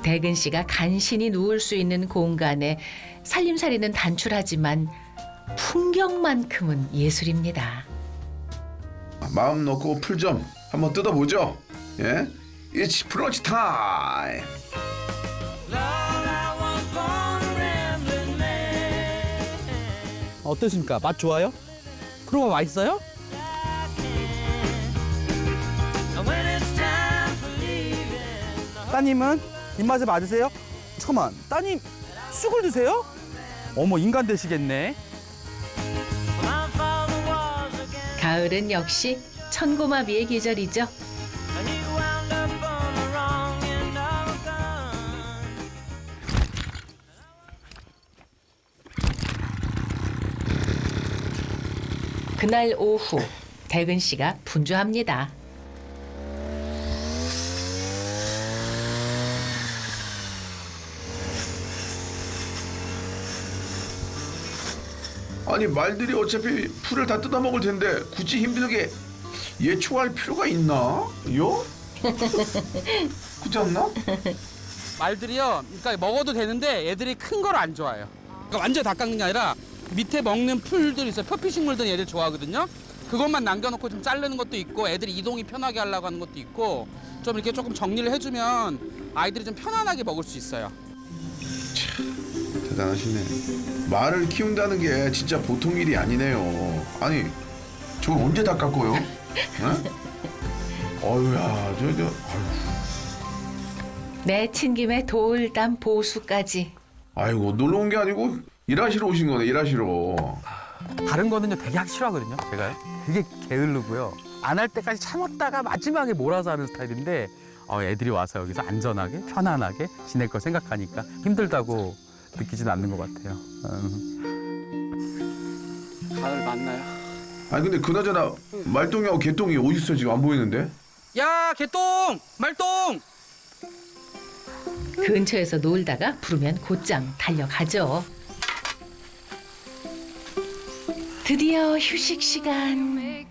대근 씨가 간신히 누울 수 있는 공간에 살림살이는 단출하지만 풍경만큼은 예술입니다. 마음 놓고 풀 좀 한번 뜯어보죠. 예? It's 브런치 타임. 어떠십니까? 맛 좋아요? 프로가 맛있어요? 따님은 입맛에 맞으세요? 잠깐만, 따님 쑥을 드세요? 어머, 인간 되시겠네. 가을은 역시 천고마비의 계절이죠. 그날 오후 대근 씨가 분주합니다. 아니 말들이 어차피 풀을 다 뜯어먹을 텐데 굳이 힘들게 예초할 필요가 있나? 요? 그렇지 않나? 말들이요, 그러니까 먹어도 되는데 애들이 큰 걸 안 좋아해요. 그러니까 완전 다 깎는 게 아니라 밑에 먹는 풀들 있어요. 표피식물들 애들 좋아하거든요. 그것만 남겨놓고 좀 자르는 것도 있고 애들이 이동이 편하게 하려고 하는 것도 있고 좀 이렇게 조금 정리를 해주면 아이들이 좀 편안하게 먹을 수 있어요. 대단하시네. 말을 키운다는 게 진짜 보통 일이 아니네요. 아니 저걸 언제 다 깎고요? 어휴야 저 내친 김에 돌담 보수까지. 아이고 놀러 온 게 아니고 일하시러 오신 거네. 일하시러. 다른 거는요 되게 하기 싫어하거든요. 제가요. 되게 게으르고요. 안 할 때까지 참았다가 마지막에 몰아서 하는 스타일인데 애들이 와서 여기서 안전하게 편안하게 지낼 거 생각하니까 힘들다고 느끼진 않는 것 같아요. 가을 맞나요? 아니 근데 그나저나 말똥이하고 개똥이 어디 있어 지금 안 보이는데? 야, 개똥! 말똥! 근처에서 놀다가 부르면 곧장 달려가죠. 드디어 휴식 시간.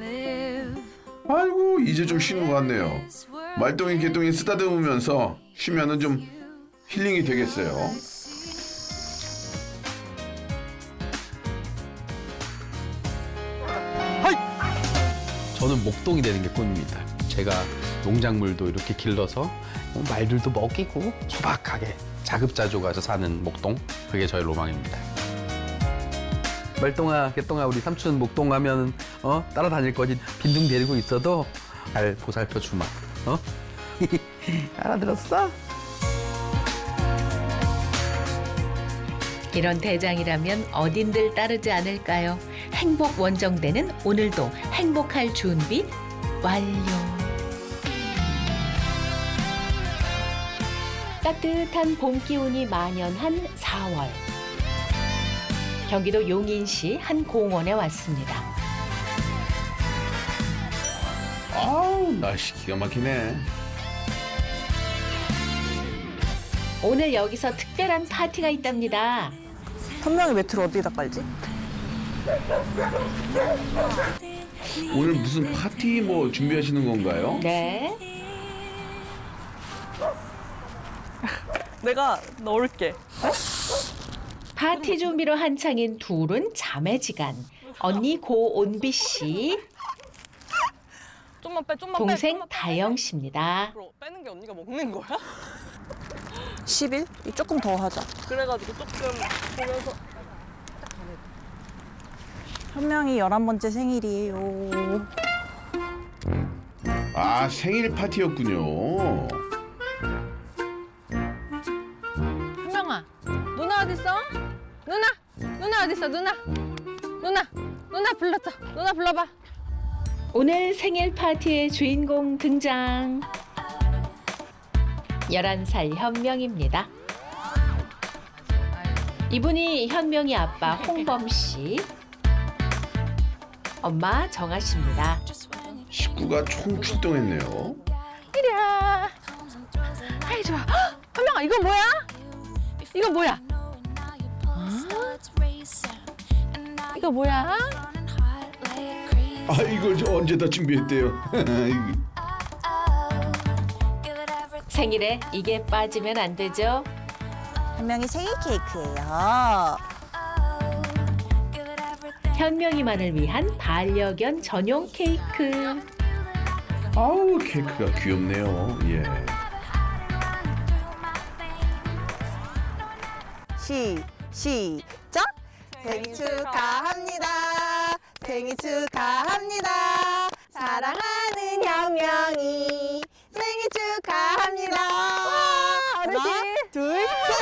아이고 이제 좀 쉬는 것 같네요. 말똥이 개똥이 쓰다듬으면서 쉬면은 좀 힐링이 되겠어요. 저는 목동이 되는 게 꿈입니다. 제가 농작물도 이렇게 길러서 말들도 먹이고 소박하게 자급자족해서 사는 목동, 그게 저의 로망입니다. 말똥아, 개똥아, 우리 삼촌 목동 가면 따라다닐 거지. 빈둥 데리고 있어도 잘 보살펴 주마. 알아들었어? 이런 대장이라면 어딘들 따르지 않을까요? 행복 원정대는 오늘도 행복할 준비 완료. 따뜻한 봄 기운이 만연한 4월. 경기도 용인시 한 공원에 왔습니다. 아우 날씨 기가 막히네. 오늘 여기서 특별한 파티가 있답니다. 선명이 매트를 어디다 깔지? 오늘 무슨 파티 뭐 준비하시는 건가요? 네. 내가 넣을게. 파티 준비로 한창인 둘은 자매지간. 언니 고온비 씨, 좀만 빼, 좀만 빼. 동생 좀만 빼. 다영 씨입니다. 앞으로 빼는 게 언니가 먹는 거야? 10일? 조금 더 하자. 그래가지고 조금 보면서 현명이 11번째 생일이에요. 아 생일 파티였군요. 현명아, 누나 어딨어? 누나 어딨어? 누나 불렀어. 누나 불러봐. 오늘 생일 파티의 주인공 등장. 11살 현명입니다. 이분이 현명이 아빠 홍범 씨, 엄마 정아 씨입니다. 식구가 총 출동했네요. 이리야. 아이 좋아. 헉, 현명아 이거 뭐야? 이거 뭐야? 이거 뭐야? 아 이걸 저 언제 다 준비했대요. 생일에 이게 빠지면 안 되죠. 현명이 생일 케이크예요. 현명이만을 위한 반려견 전용 케이크. 아우 케이크가 귀엽네요. 예. 시작. 생일 축하합니다. 생일 축하합니다. 사랑하는 현명이 생일 축하합니다. 하나, 둘, 셋.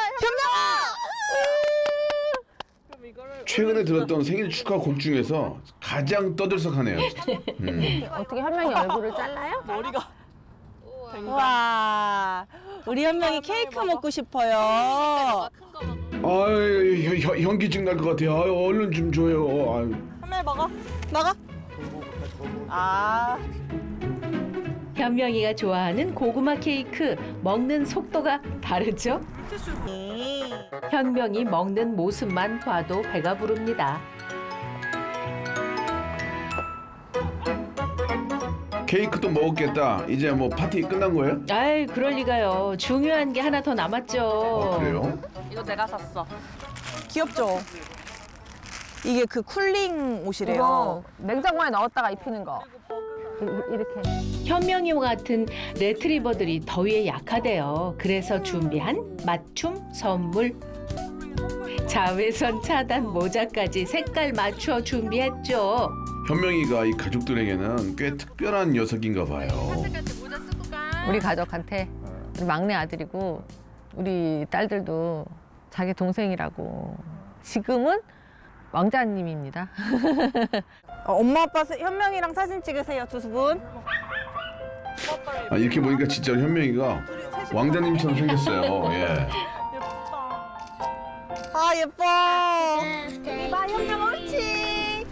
현명아. 최근에 들었던 생일 축하 곡 중에서 가장 떠들썩하네요. 어떻게 현명이 얼굴을 잘라요? 머리가. 와, 우리 현명이 케이크 먹고 싶어요. 아유 현기증 날 것 같아요. 아유, 얼른 좀 줘요. 아유. 현명이 먹어. 먹어. 아. 현명이가 좋아하는 고구마 케이크 먹는 속도가 다르죠? 현명이 먹는 모습만 봐도 배가 부릅니다. 케이크도 먹었겠다. 이제 뭐 파티 끝난 거예요? 아이, 그럴 리가요. 중요한 게 하나 더 남았죠. 그래요? 이거 내가 샀어. 귀엽죠? 이게 그 쿨링 옷이래요. 이거 냉장고에 넣었다가 입히는 거. 이렇게. 현명이와 같은 레트리버들이 더위에 약하대요. 그래서 준비한 맞춤 선물. 자외선 차단 모자까지 색깔 맞춰 준비했죠. 현명이가 이 가족들에게는 꽤 특별한 녀석인가 봐요. 우리 가족한테 우리 막내 아들이고 우리 딸들도 자기 동생이라고. 지금은 왕자님입니다. 엄마 아빠 현명이랑 사진 찍으세요, 두 분. 아, 이렇게 보니까 진짜 현명이가 왕자님처럼 생겼어요. 예. 아 예뻐. 봐 현명 옳지.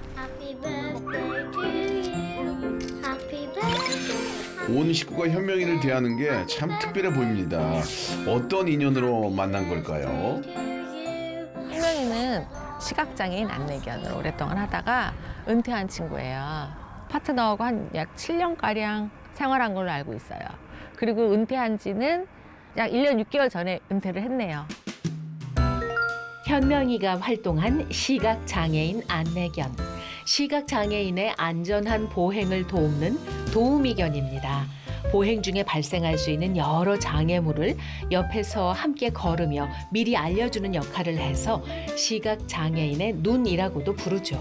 온 식구가 현명이를 대하는 게 참 특별해 보입니다. 어떤 인연으로 만난 걸까요? 현명이는 시각장애인 안내견을 오랫동안 하다가 은퇴한 친구예요. 파트너하고 한 약 7년가량 생활한 걸로 알고 있어요. 그리고 은퇴한 지는 약 1년 6개월 전에 은퇴를 했네요. 현명이가 활동한 시각장애인 안내견. 시각장애인의 안전한 보행을 돕는 도우미견입니다. 보행 중에 발생할 수 있는 여러 장애물을 옆에서 함께 걸으며 미리 알려주는 역할을 해서 시각장애인의 눈이라고도 부르죠.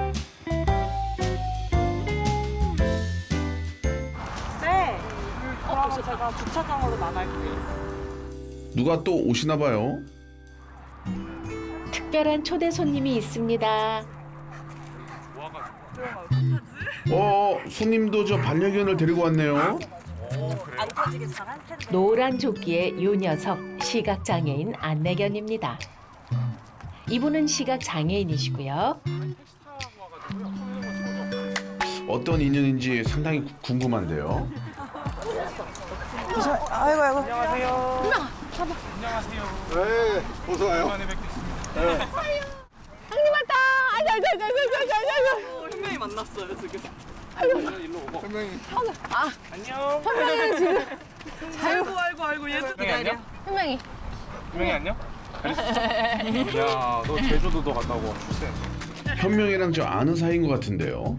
네. 그럼 제가 주차장으로 나갈게요. 누가 또 오시나 봐요. 특별한 초대 손님이 있습니다. 손님도 저 반려견을 데리고 왔네요. 안 터지게 잘할 텐데. 노란 조끼의 요 녀석 시각장애인 안내견입니다. 이분은 시각장애인이시고요. 어떤 인연인지 상당히 궁금한데요. 아이고 아이고. 네, 어서 와요. 현명이 만났어요 지금. 아이고 얘도 현명이 안녕? 현명이. 현명이 안녕? 야, 너 제주도도 갔다 오고 출세. 현명이랑 저 아는 사이인 것 같은데요.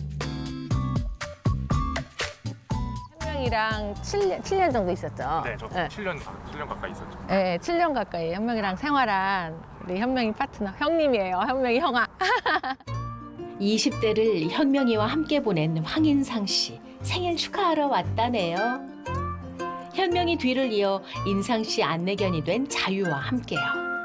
현명이랑 7년 정도 있었죠. 네, 저 네. 7년 가까이 있었죠. 네, 7년 가까이 현명이랑 생활한 우리 현명이 파트너 형님이에요. 현명이 형아. 20대를 현명이와 함께 보낸 황인상 씨. 생일 축하하러 왔다네요. 현명이 뒤를 이어 인상 씨 안내견이 된 자유와 함께요.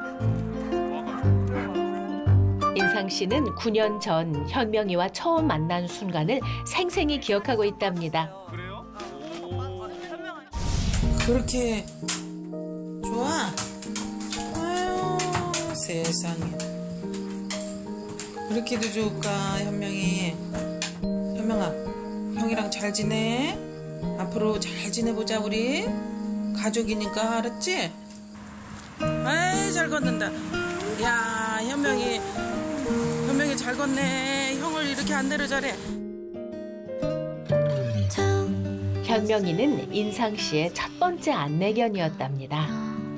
인상 씨는 9년 전 현명이와 처음 만난 순간을 생생히 기억하고 있답니다. 그래요? 그렇게 좋아? 아유 세상에 그렇게도 좋을까 현명이. 현명아 형이랑 잘 지내? 앞으로 잘 지내보자 우리. 가족이니까 알았지? 아이 잘 걷는다. 야 현명이 잘 걷네. 형을 이렇게 안내를 잘해. 현명이는 인상 씨의 첫 번째 안내견이었답니다.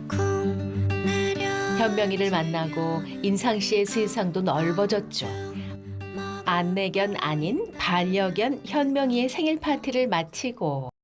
현명이를 만나고 인상 씨의 세상도 넓어졌죠. 안내견 아닌 반려견 현명이의 생일 파티를 마치고